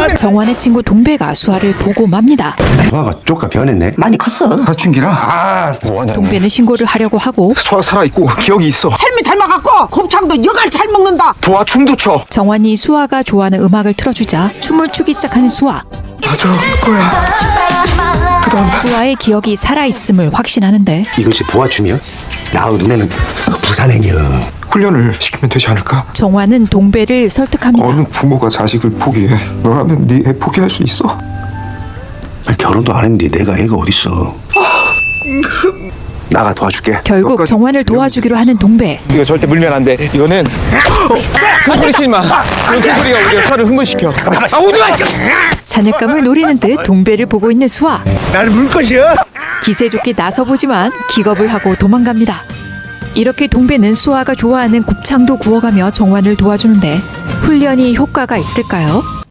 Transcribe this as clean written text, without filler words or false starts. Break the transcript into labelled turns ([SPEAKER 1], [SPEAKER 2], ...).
[SPEAKER 1] 정환의 친구 동배가 수아를 보고 맙니다.
[SPEAKER 2] 수아가 쪼까 변했네.
[SPEAKER 3] 많이 컸어.
[SPEAKER 4] 사춘기라. 뭐하냐.
[SPEAKER 1] 동배는 신고를 하려고 하고
[SPEAKER 4] 소아 살아있고 기억이 있어.
[SPEAKER 3] 헬미 닮아갖고 곱창도 여갈 잘 먹는다.
[SPEAKER 4] 보아 춤도 춰.
[SPEAKER 1] 정환이 수아가 좋아하는 음악을 틀어주자 춤을 추기 시작하는 수아.
[SPEAKER 4] 아주 거야.
[SPEAKER 1] 수아의 기억이 살아있음을 확신하는데
[SPEAKER 2] 이것이 보아춤이야? 나의 눈에는 부산행이여.
[SPEAKER 4] 훈련을 시키면 되지 않을까?
[SPEAKER 1] 정환은 동배를 설득합니다.
[SPEAKER 4] 어느 부모가 자식을 포기해. 너라면 네 애 포기할 수 있어?
[SPEAKER 2] 아니, 결혼도 안 했는데 내가 애가 어딨어. 나가 도와줄게.
[SPEAKER 1] 결국
[SPEAKER 4] 너까지
[SPEAKER 1] 정환을 도와주기로 하는 동배.
[SPEAKER 4] 이거 절대 물면 안 돼. 이거는 큰 소리 치지 마. 이런 큰 소리가 우리 수아를 흥분시켜. 아, 오지 마!
[SPEAKER 1] 사냥감을 노리는 듯 동배를 보고 있는 수아.
[SPEAKER 2] 나를 물 것이야.
[SPEAKER 1] 기세 좋게 나서보지만 기겁을 하고 도망갑니다. 이렇게 동배는 수아가 좋아하는 곱창도 구워가며 정환을 도와주는데 훈련이 효과가 있을까요?